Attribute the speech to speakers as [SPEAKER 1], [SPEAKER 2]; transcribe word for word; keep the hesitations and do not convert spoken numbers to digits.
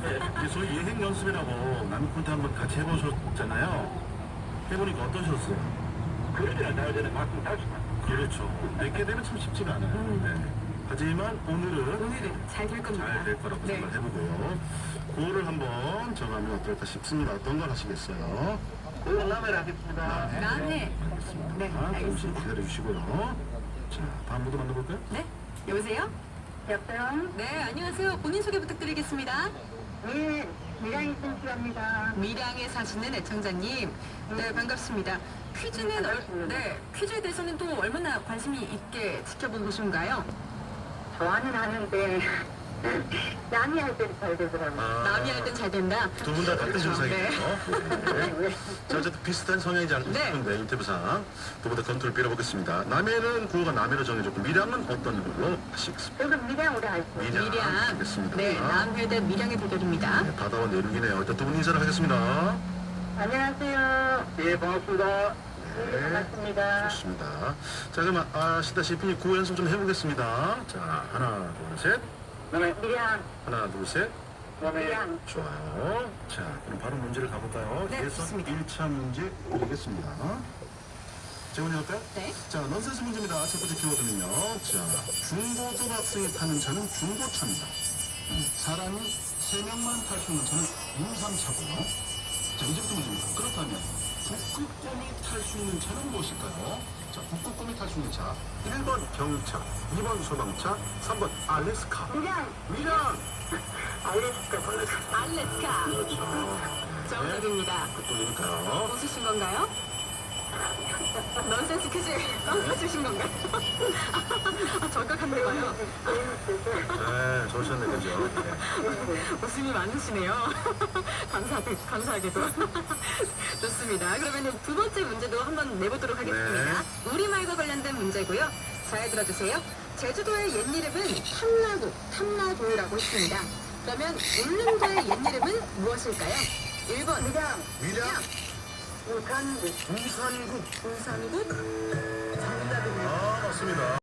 [SPEAKER 1] 이제 저희 예행 연습이라고 남이 콘테 한번 같이 해보셨잖아요. 해보니까 어떠셨어요?
[SPEAKER 2] 그러지는 나전에 막상 탈 수가.
[SPEAKER 1] 그렇죠. 뵙게 되면 참 쉽지가 않아요.
[SPEAKER 3] 음.
[SPEAKER 1] 네. 하지만 오늘은
[SPEAKER 3] 오늘은 잘 될 겁니다.
[SPEAKER 1] 잘 될 거라고
[SPEAKER 3] 네.
[SPEAKER 1] 생각해보고요. 그거를 한번 정하면 어떨까 싶습니다. 어떤 걸 하시겠어요?
[SPEAKER 2] 그건 남해를 하겠습니다.
[SPEAKER 3] 남해.
[SPEAKER 1] 알겠습니다.
[SPEAKER 3] 네,
[SPEAKER 1] 잠시
[SPEAKER 3] 알겠습니다.
[SPEAKER 1] 기다려주시고요. 자, 다음 분도 만나볼까요?
[SPEAKER 3] 네, 여보세요?
[SPEAKER 4] 여보세요?
[SPEAKER 3] 네, 안녕하세요. 본인 소개 부탁드리겠습니다.
[SPEAKER 4] 네, 미랑이 춘추입니다.
[SPEAKER 3] 미량에 사시는 애청자님, 네 반갑습니다. 퀴즈는 얼, 네 퀴즈에 대해서는 또 얼마나 관심이 있게 지켜본 것인가요?
[SPEAKER 4] 좋아는 하는데, 남이 할 때는 잘 되더라고요.
[SPEAKER 3] 남이 할 땐 잘 된다.
[SPEAKER 1] 두 분 다 같은
[SPEAKER 3] 그렇죠.
[SPEAKER 1] 증상이에요. 네. 자, 어쨌든 비슷한 성향이지 않을까
[SPEAKER 3] 네.
[SPEAKER 1] 싶은데 인터뷰상 두 분 다 검토를 빌어보겠습니다. 남해는 구호가 남해로 정해졌고 미량은 어떤 걸로 하시겠습니다?
[SPEAKER 4] 저는 미랑으로 할게요.
[SPEAKER 1] 미량.
[SPEAKER 3] 미량.
[SPEAKER 1] 알겠습니다.
[SPEAKER 3] 네, 남회 대 미량의 대결입니다.
[SPEAKER 1] 네, 바다와 내륙이네요. 일단 두 분 인사를 하겠습니다.
[SPEAKER 4] 안녕하세요.
[SPEAKER 2] 예, 반갑습니다.
[SPEAKER 4] 네, 반갑습니다.
[SPEAKER 1] 좋습니다. 자, 그럼 아시다시피 구호 연습 좀 해보겠습니다. 자, 하나, 둘, 셋.
[SPEAKER 2] 남해,
[SPEAKER 4] 미랑,
[SPEAKER 1] 하나, 둘, 셋.
[SPEAKER 2] 남해.
[SPEAKER 4] 미랑.
[SPEAKER 1] 좋아요. 자, 그럼 바로 문제를 가볼까요?
[SPEAKER 3] 네,
[SPEAKER 1] 예선
[SPEAKER 3] 좋습니다.
[SPEAKER 1] 일 차 문제 드리겠습니다. 제가 먼저 할까요?
[SPEAKER 3] 네.
[SPEAKER 1] 자, 넌센스 문제입니다. 첫 번째 키워드는요. 자, 중고등학생이 타는 차는 중고차입니다. 음, 사람이 세 명만 탈 수 있는 차는 유삼차고요. 자, 이제부터 문제입니다. 그렇다면 북극곰이 탈 수 있는 차는 무엇일까요? 자, 북극곰이 탈 수 있는 차. 일 번 경차, 이 번 소방차, 삼 번 알래스카.
[SPEAKER 4] 미랑,
[SPEAKER 1] 미랑!
[SPEAKER 4] 알래스카, 알래스카.
[SPEAKER 3] 알래스카.
[SPEAKER 1] 그렇죠.
[SPEAKER 3] 정답입니다.
[SPEAKER 1] 북극곰이니까요.
[SPEAKER 3] 웃으신 건가요? 넌센스 퀴즈 깜빡주신 건가요? 아, 적극한데 봐요.
[SPEAKER 1] 네, 좋으셨네, 그죠? 네.
[SPEAKER 3] 웃음이 많으시네요. 감사, 감사하게도. 좋습니다. 그러면 두 번째 문제도 한번 내보도록 하겠습니다. 우리말과 관련된 문제고요. 잘 들어주세요. 제주도의 옛 이름은 탐라도, 탐라도라고 했습니다. 그러면 울릉도의 옛 이름은 무엇일까요? 일 번
[SPEAKER 4] 미랑,
[SPEAKER 1] 미량,
[SPEAKER 4] 우산국.
[SPEAKER 1] 부산국.
[SPEAKER 3] 부산국. 정답입니다.
[SPEAKER 1] 아, 맞습니다.